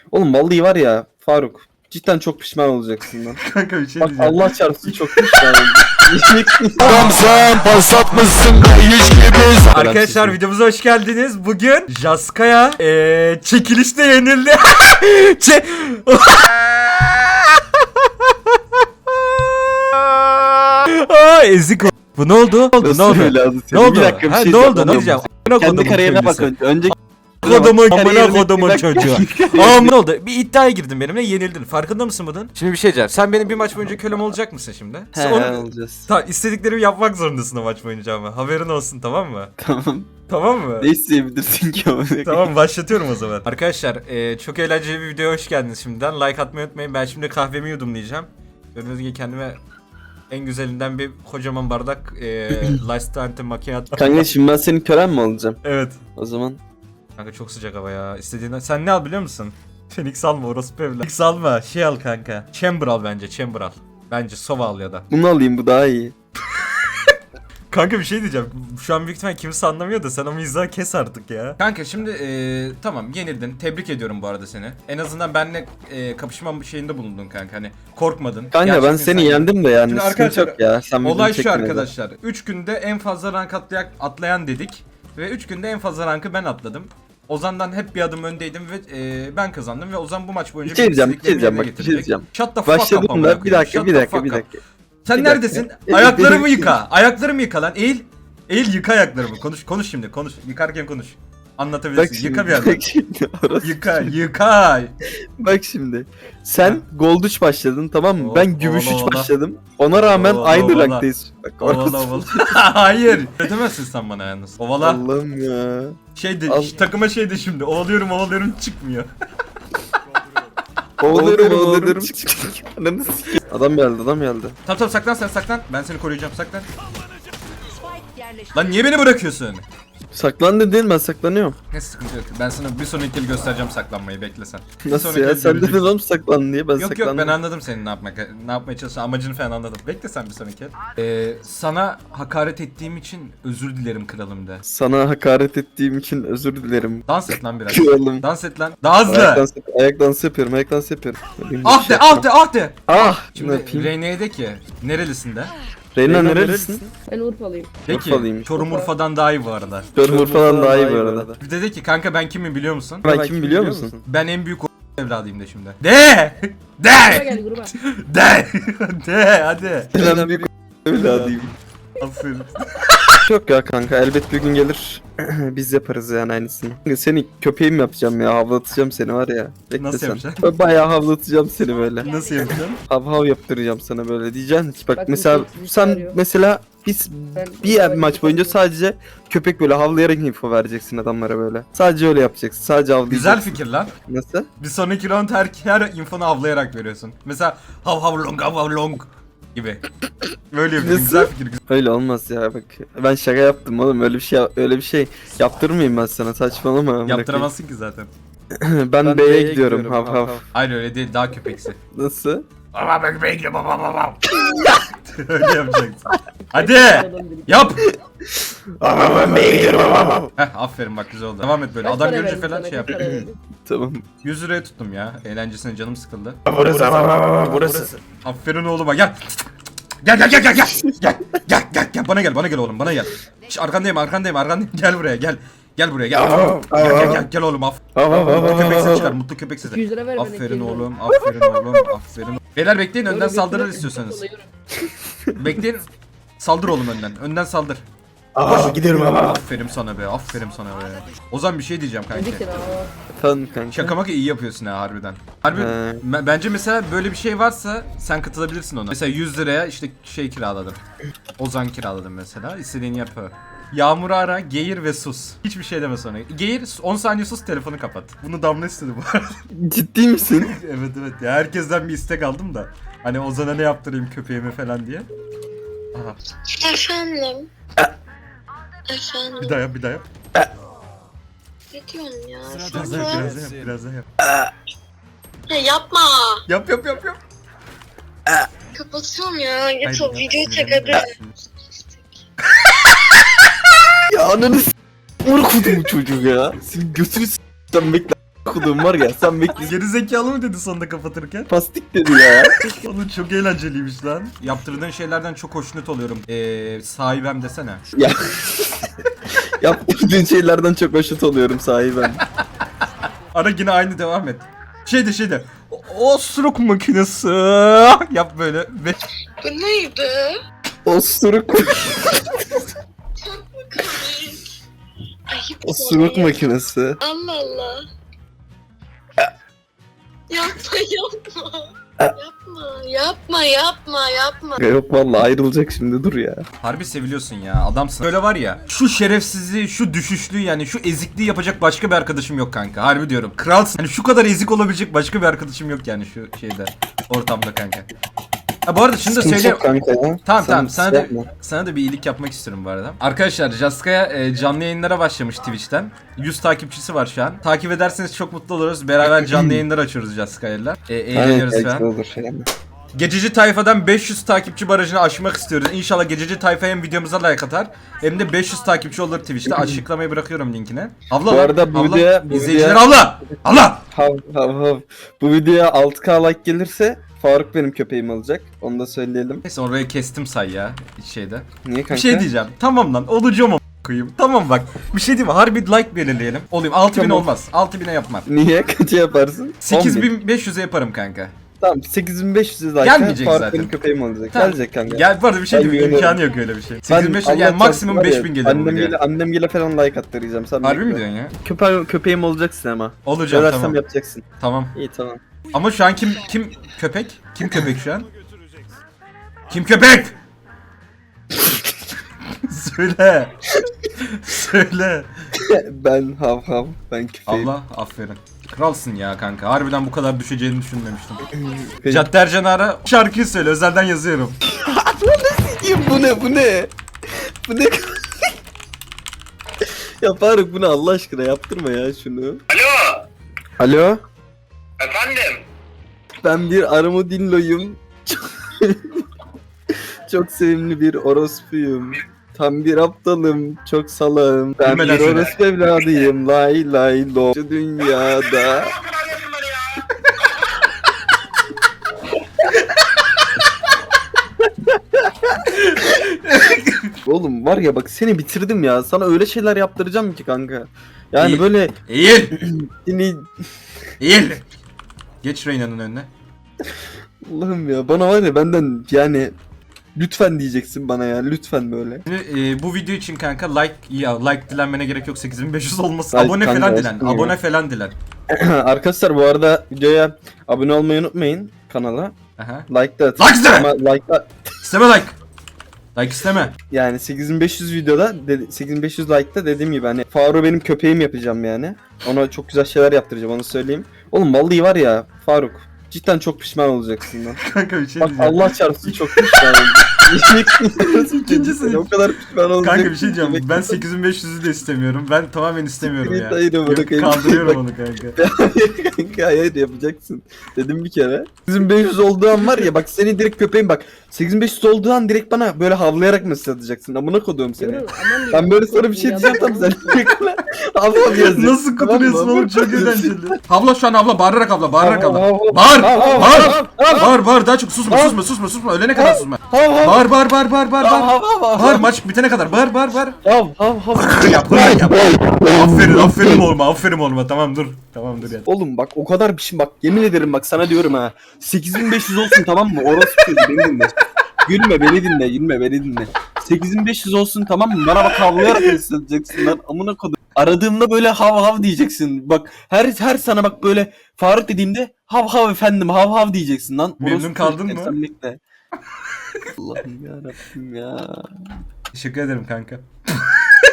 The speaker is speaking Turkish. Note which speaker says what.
Speaker 1: Oğlum vallahi var ya Faruk. Cidden çok pişman olacaksın lan.
Speaker 2: Kanka bir şey
Speaker 1: Bak
Speaker 2: diyeceğim.
Speaker 1: Allah çarpsın çok pişman olacaksın.
Speaker 3: Adam sen pas atmışsın hiç gibi.
Speaker 2: Arkadaşlar videomuza hoş geldiniz. Bugün Jaska'ya çekilişte yenildi. Çe ezik o. Bu ne oldu? Ne oldu? Ne oldu?
Speaker 1: Bir dakika bir
Speaker 2: Ha,
Speaker 1: şey
Speaker 2: ne oldu?
Speaker 1: söyleyeceğim.
Speaker 2: Ne diyeceğim?
Speaker 1: Kendi kariyerine bak önce. Önce
Speaker 2: Kodumun
Speaker 1: kariyerine
Speaker 2: kodumun
Speaker 1: bak.
Speaker 2: çocuğu. Aa ne oldu? Bir iddiaya girdin benimle, yenildin. Farkında mısın bunun? Şimdi bir şey diyeceğim. Sen benim bir maç boyunca kölem olacak mısın şimdi? Sen onu
Speaker 1: olacağız.
Speaker 2: istediklerimi yapmak zorundasın o maç boyunca ama. Haberin olsun, tamam mı?
Speaker 1: Tamam.
Speaker 2: Tamam mı?
Speaker 1: Ne isteyebilirsin ki ama?
Speaker 2: Tamam, başlatıyorum o zaman. Arkadaşlar çok eğlenceli bir videoya hoş geldiniz şimdiden. Like atmayı unutmayın. Ben şimdi kahvemi yudumlayacağım. Gördüğünüz gibi kendime en güzelinden bir kocaman bardak Lifestyle Macchiato.
Speaker 1: Kanka şimdi ben senin kölen mi olacağım?
Speaker 2: Evet.
Speaker 1: O zaman
Speaker 2: Kanka çok sıcak hava ya. İstediğinden. Sen ne al biliyor musun? Phoenix alma, orospu evlat. Phoenix alma, şey al kanka. Chamber al bence, Chamber al. Bence Sova al ya da.
Speaker 1: bunu alayım, bu daha iyi.
Speaker 2: Kanka bir şey diyeceğim. Şu an büyük ihtimal kimse anlamıyor da sen o mizahı kes artık ya. Kanka şimdi tamam, yenildin. Tebrik ediyorum bu arada seni. En azından benimle kapışma şeyinde bulundun kanka. Hani korkmadın.
Speaker 1: Kanka
Speaker 2: Gerçekten
Speaker 1: ben seni
Speaker 2: sen-
Speaker 1: yendim de yani
Speaker 2: Şimdi
Speaker 1: sıkıntı
Speaker 2: arkadaşlar,
Speaker 1: yok ya. Sen
Speaker 2: Olay
Speaker 1: beni
Speaker 2: şu
Speaker 1: çekme de.
Speaker 2: arkadaşlar. 3 günde en fazla rank atlayan dedik. Ve 3 günde en fazla rankı ben atladım. Ozan'dan hep bir adım öndeydim ve ben kazandım ve Ozan bu maç boyunca
Speaker 1: Bir şey diyeceğim, bir şey
Speaker 2: istediklerimi
Speaker 1: diyeceğim,
Speaker 2: yerine
Speaker 1: bak, bir şey
Speaker 2: getirecek.
Speaker 1: diyeceğim.
Speaker 2: Shut the fuck up
Speaker 1: Başladım
Speaker 2: amına
Speaker 1: da bir
Speaker 2: koyayım.
Speaker 1: dakika,
Speaker 2: Shut
Speaker 1: bir
Speaker 2: the
Speaker 1: dakika,
Speaker 2: fuck
Speaker 1: bir
Speaker 2: up.
Speaker 1: dakika.
Speaker 2: Sen
Speaker 1: Bir
Speaker 2: neredesin?
Speaker 1: dakika.
Speaker 2: Ayaklarımı yıka. Ayaklarımı yıka lan. Eğil yıka ayaklarımı. Konuş şimdi. Konuş. Yıkarken konuş.
Speaker 1: Bak
Speaker 2: Anlatabilirsin.
Speaker 1: şimdi,
Speaker 2: Yıka bir yandan.
Speaker 1: bak şimdi, orası
Speaker 2: Yıka.
Speaker 1: şimdi.
Speaker 2: Yıka.
Speaker 1: Bak şimdi. Sen Gold 3 başladın, tamam mı?
Speaker 2: Oh,
Speaker 1: Ben Gümüş 3
Speaker 2: ola, ola.
Speaker 1: başladım. Ona rağmen
Speaker 2: Ola,
Speaker 1: aynı
Speaker 2: ola.
Speaker 1: ranktayız. Bak
Speaker 2: Ovala
Speaker 1: orası.
Speaker 2: ovala. Hayır. Ödemezsin sen bana yalnız. Ovala.
Speaker 1: Allah'ım ya.
Speaker 2: Şeydi, takıma şeydi şimdi. Ovalıyorum çıkmıyor.
Speaker 1: Ovalıyorum. Ananı sikeyim. Adam geldi.
Speaker 2: Tamam saklan sen saklan. Ben seni koruyacağım, saklan. Lan niye beni bırakıyorsun?
Speaker 1: Saklan dedin, ben saklanıyorum.
Speaker 2: Ne sıkıntı yok. Ben sana bir sonraki el göstereceğim saklanmayı, bekle sen. Bir
Speaker 1: Nasıl
Speaker 2: sonraki
Speaker 1: ya?
Speaker 2: el
Speaker 1: Sen
Speaker 2: göreceksin.
Speaker 1: dedin oğlum saklan diye, ben
Speaker 2: Yok
Speaker 1: saklandım.
Speaker 2: ben anladım senin ne yapmaya çalıştığını, amacını falan anladım. Bekle sen bir sonraki el. Sana hakaret ettiğim için özür dilerim kralım de.
Speaker 1: Sana hakaret ettiğim için özür dilerim.
Speaker 2: Dans et lan biraz.
Speaker 1: Kralım.
Speaker 2: Dans et lan. Daha hızlı.
Speaker 1: Ayak dansı yapıyorum. Benim bir
Speaker 2: Ah
Speaker 1: şey
Speaker 2: de ah de ah de.
Speaker 1: Ah! Ne
Speaker 2: Şimdi
Speaker 1: yapayım?
Speaker 2: Reyne'ye de ki nerelisinde?
Speaker 1: Reyna nerelisin?
Speaker 4: Ben Urfalıyım.
Speaker 2: De ki
Speaker 1: Urfalıyım.
Speaker 2: Çorum Urfa'dan daha iyi bu arada.
Speaker 1: Çorum falan daha iyi bu arada.
Speaker 2: Bir de kanka ben kimim biliyor musun?
Speaker 1: Ben kim biliyor musun?
Speaker 2: Ben en büyük evladıyım de şimdi. De!
Speaker 4: Gruba
Speaker 2: De!
Speaker 4: gel gruba.
Speaker 2: De! De! Hadi.
Speaker 1: Ben bir evladıyım.
Speaker 2: Aferin.
Speaker 1: Yok ya kanka, elbet bir gün gelir. Biz yaparız yani aynısını. Seni köpeğim yapacağım ya, havlatacağım seni var ya. Bekle
Speaker 2: Nasıl
Speaker 1: sen.
Speaker 2: yapacaksın?
Speaker 1: Böyle bayağı havlatacağım seni böyle.
Speaker 2: Nasıl yapacaksın?
Speaker 1: Hav hav yaptıracağım sana böyle, diyeceksin ki bak
Speaker 4: Bak,
Speaker 1: mesela
Speaker 4: bir şey
Speaker 1: sen
Speaker 4: arıyor.
Speaker 1: mesela biz
Speaker 4: Ben
Speaker 1: bir maç boyunca sadece köpek böyle havlayarak info vereceksin adamlara böyle. Sadece öyle yapacaksın. Sadece havlayacaksın.
Speaker 2: Güzel fikir lan.
Speaker 1: Nasıl?
Speaker 2: Bir sonraki round her infonu avlayarak veriyorsun. Mesela hav hav long gibi. Böyle yapıyorsun.
Speaker 1: Nasıl?
Speaker 2: Güzel fikir.
Speaker 1: Öyle olmaz ya, bak. Ben şaka yaptım oğlum. Öyle bir şey yaptırmayayım ben sana. Saçmalama. amına koyayım.
Speaker 2: Yaptıramazsın ki zaten.
Speaker 1: Ben B'ye gidiyorum. Hav hav.
Speaker 2: Hayır öyle değil, daha köpeksi.
Speaker 1: Nasıl?
Speaker 2: Baba ben bekle baba. Öyle yapacaksın. Hadi yap.
Speaker 1: Ben B'ye gidiyorum.
Speaker 2: Heh aferin bak, güzel oldu. Devam et böyle.
Speaker 4: Kaç
Speaker 2: Adam
Speaker 4: para
Speaker 2: görünce
Speaker 4: verdin
Speaker 2: falan
Speaker 4: sana,
Speaker 2: şey yap.
Speaker 4: kaç para verdin?
Speaker 1: Tamam.
Speaker 2: 100 liraya tuttum ya. Eğlencesine canım sıkıldı.
Speaker 1: Burası.
Speaker 2: Aferin oğluma gel. Gel. Gel bana gel oğlum bana gel. Şş, arkandayım. Gel buraya gel. Gel buraya gel. Gel oğlum mutlu köpek sesi çıkar, mutlu köpek sesi.
Speaker 4: 200 lira ver bana,
Speaker 2: Aferin
Speaker 4: 200 lira.
Speaker 2: oğlum. Aferin. Beyler bekleyin, önden
Speaker 4: Oğlum,
Speaker 2: saldırır
Speaker 4: götüne-
Speaker 2: istiyorsanız.
Speaker 4: Alıyorum.
Speaker 2: Bekleyin. Saldır oğlum önden. Önden saldır.
Speaker 1: Gidiyorum ama.
Speaker 2: Aferin sana be. Ozan bir şey diyeceğim kanki.
Speaker 4: Dedik ya.
Speaker 1: Tamam kanka.
Speaker 2: Şaka maka iyi yapıyorsun ha harbiden. Harbi
Speaker 1: He.
Speaker 2: bence mesela böyle bir şey varsa sen katılabilirsin ona. Mesela 100 liraya işte şey kiraladım. Ozan kiraladım mesela. İstediğini yap. Yağmur'u ara, geğir ve sus. Hiçbir şey deme sonra. Geğir, 10 saniye sus, telefonu kapat. Bunu Damla istedi bu arada.
Speaker 1: Ciddi misin?
Speaker 2: Evet ya, herkesten bir istek aldım da. Hani Ozan'a ne yaptırayım köpeğime falan diye. Aha,
Speaker 5: Efendim. Efendim.
Speaker 2: bir daha yap.
Speaker 5: Ne diyorsun ya?
Speaker 2: Biraz daha yap.
Speaker 5: Ya yapma.
Speaker 2: Yap.
Speaker 5: Kapatıyorum ya. Git
Speaker 2: Haydi
Speaker 5: o
Speaker 2: yap,
Speaker 5: videoyu çek
Speaker 2: sinirlenme.
Speaker 5: hadi.
Speaker 1: Ya ananı s***. Vur kudumu çocuğu ya. Senin götünü s***den bekle. kodum var ya sen bekle.
Speaker 2: Geri zekalı mı dedi sonunda kapatırken?
Speaker 1: Pastik dedi ya.
Speaker 2: Oğlum çok eğlenceliymiş lan. Yaptırdığın şeylerden çok hoşnut oluyorum. Sahibem desene.
Speaker 1: Ya. Yaptığın şeylerden çok hoşnut oluyorum sahibim.
Speaker 2: Ara yine aynı devam et. Şeyde. Osuruk makinesi. Yap böyle. Ve
Speaker 5: Bu neydi?
Speaker 1: Osuruk.
Speaker 5: Çok mu komik? Ayıp
Speaker 1: Osuruk
Speaker 5: ya.
Speaker 1: makinesi.
Speaker 5: Allah Allah. Yapma. Yapma.
Speaker 1: Yok vallahi ayrılacak şimdi dur ya.
Speaker 2: harbi seviliyorsun ya adamsın. Böyle var ya şu şerefsizliği, şu düşüşlüğü yani şu ezikliği yapacak başka bir arkadaşım yok kanka. Harbi diyorum. Kralsın. Yani şu kadar ezik olabilecek başka bir arkadaşım yok yani şu şeyde ortamda kanka. Ha bu arada şunu da
Speaker 1: Sıkıntı
Speaker 2: söyle.
Speaker 1: yok kanka ya.
Speaker 2: Tamam
Speaker 1: Sen
Speaker 2: sana
Speaker 1: şey
Speaker 2: da,
Speaker 1: yapma.
Speaker 2: sana da bir iyilik yapmak istiyorum bu arada. Arkadaşlar Jaska'ya canlı yayınlara başlamış Twitch'ten. 100 takipçisi var şu an. Takip ederseniz çok mutlu oluruz. Beraber canlı yayınlar açıyoruz Jaska'yla. Eğleniyoruz
Speaker 1: Aynen,
Speaker 2: falan.
Speaker 1: belki olur yani.
Speaker 2: Gececi tayfadan 500 takipçi barajını aşmak istiyoruz. İnşallah gececi tayfa hem videomuza like atar hem de 500 takipçi olur Twitch'te. Açıklamayı bırakıyorum linkine. Abla
Speaker 1: Bu
Speaker 2: lan,
Speaker 1: arada bu
Speaker 2: abla.
Speaker 1: videoya-
Speaker 2: İzleyiciler abla! Abla!
Speaker 1: Hav. Bu videoya 6K like gelirse Faruk benim köpeğim olacak. Onu da söyleyelim.
Speaker 2: Neyse oraya kestim say ya hiç şeyde.
Speaker 1: Niye kanka?
Speaker 2: Bir şey diyeceğim. Tamam lan olacağım ama koyayım. Tamam bak. Bir şey diyeyim mi? Harbi like belirleyelim. Olayım 6000
Speaker 1: Tamam.
Speaker 2: olmaz. 6000'e yapmam.
Speaker 1: Niye? Kaça yaparsın? 10.000.
Speaker 2: 8500'e yaparım kanka.
Speaker 1: Tamam 8500 like.
Speaker 2: Gelmeyecek
Speaker 1: Faruk
Speaker 2: zaten.
Speaker 1: benim köpeğim olacak.
Speaker 2: Tamam.
Speaker 1: Gelecek kanka.
Speaker 2: Gel bu arada bir şey
Speaker 1: Ben
Speaker 2: diyeyim mi?
Speaker 1: güveniyorum.
Speaker 2: İmkanı yok öyle bir şey.
Speaker 1: Ben
Speaker 2: 8500
Speaker 1: Allah
Speaker 2: yani maksimum
Speaker 1: çarpsın var ya,
Speaker 2: 5000 gelir bu videoya.
Speaker 1: Annemgile falan like attıracağım. Sen
Speaker 2: Harbi mi
Speaker 1: bekle.
Speaker 2: diyorsun ya?
Speaker 1: Köpeğim olacaksın ama.
Speaker 2: Olacağım
Speaker 1: Söylersem
Speaker 2: tamam.
Speaker 1: yapacaksın.
Speaker 2: Tamam.
Speaker 1: İyi tamam.
Speaker 2: Ama şu an kim köpek? Kim köpek şu an? Kim köpek? Söyle. Söyle.
Speaker 1: Ben hav. Ben köpeğim.
Speaker 2: Allah aferin. Kralsın ya kanka. Harbiden bu kadar düşeceğini düşünmemiştim.
Speaker 1: Köpeğim.
Speaker 2: Cadder Canar'a şarkıyı söyle. Özelden yazıyorum.
Speaker 1: Bu ne? Bu ne? Ya Faruk bu ne Allah aşkına yaptırma ya şunu.
Speaker 6: Alo,
Speaker 1: Alo?
Speaker 6: efendim.
Speaker 1: Ben bir armadilloyum. Çok sevimli bir orospuyum. Tam bir aptalım, çok salağım. Ben
Speaker 2: Bilmeden
Speaker 1: bir
Speaker 2: söyle.
Speaker 1: orospu evladıyım. Lay lay lo. Şu dünyada. Oğlum var ya bak seni bitirdim ya. Sana öyle şeyler yaptıracağım ki kanka. Yani
Speaker 2: İyi.
Speaker 1: böyle
Speaker 2: Eğil.
Speaker 1: seni
Speaker 2: Eğil. Geç Reyna'nın önüne.
Speaker 1: Allah'ım ya bana var ya benden yani lütfen diyeceksin bana ya lütfen böyle.
Speaker 2: Şimdi, bu video için kanka like dilenmene gerek yok 8500 olmasın.
Speaker 1: Ay,
Speaker 2: Abone
Speaker 1: kanka,
Speaker 2: falan dilen.
Speaker 1: aşkım ya.
Speaker 2: Abone falan dilen.
Speaker 1: Arkadaşlar bu arada videoya abone olmayı unutmayın kanala.
Speaker 2: Aha.
Speaker 1: Like da atın.
Speaker 2: Like isteme!
Speaker 1: Ama like da,
Speaker 2: İsteme like. Like isteme.
Speaker 1: yani 8500 videoda 8500 like'ta dediğim gibi hani Faruk benim köpeğim yapacağım yani. Ona çok güzel şeyler yaptıracağım onu söyleyeyim. Oğlum vallahi var ya Faruk cidden çok pişman olacaksın lan.
Speaker 2: Kanka bir şey
Speaker 1: Bak
Speaker 2: diyeceğim.
Speaker 1: Allah çarpsın çok pişman oldum.
Speaker 2: İkincisi-
Speaker 1: o kadar pişman olacak.
Speaker 2: Kanka bir şey diyeceğim. Ben 8500'ü de istemiyorum. Ben tamamen istemiyorum ya.
Speaker 1: Hayır,
Speaker 2: Yok,
Speaker 1: bırakayım.
Speaker 2: kandırıyorum onu kanka.
Speaker 1: Kanka hayır yapacaksın. Dedim bir kere. 8500 olduğu an var ya bak seni direkt köpeğim bak. 8500 olduğu an direkt bana böyle havlayarak mesaj atacaksın. Amına koduğum seni. Ben böyle sana bir şey diyeceğim tam sen direkt bana havla yazacaksın.
Speaker 2: Nasıl kuturuyorsun oğlum çok eğlenceli. Havla şu an havla bağırarak havla bağırarak
Speaker 1: Hav,
Speaker 2: havla.
Speaker 1: hav, hav.
Speaker 2: Bağır
Speaker 1: Hav, hav,
Speaker 2: bağır
Speaker 1: hav, hav.
Speaker 2: bağır bağır daha çok susma ölene kadar susma.
Speaker 1: Hav hav.
Speaker 2: Bağır bağır
Speaker 1: Hav
Speaker 2: bağır.
Speaker 1: hav
Speaker 2: Bağır maç bitene kadar bağır.
Speaker 1: hav hav hav.
Speaker 2: Yap. Aferin oğluma tamam dur ya.
Speaker 1: Oğlum bak o kadar bir şey bak yemin ederim bak sana diyorum ha. 8500 olsun tamam mı? Orası beni dinle. Gülme beni dinle. 8500 olsun tamam mı? Bana bak havlayarak mesaj atacaksın lan. Amına kodum. Aradığımda böyle hav diyeceksin. Bak her sana bak böyle Faruk dediğimde hav efendim hav diyeceksin lan.
Speaker 2: Memnun
Speaker 1: Orospu
Speaker 2: kaldın
Speaker 1: çocuk,
Speaker 2: mı?
Speaker 1: sen bekle. Allah'ım yarabbim ya.
Speaker 2: Teşekkür ederim kanka.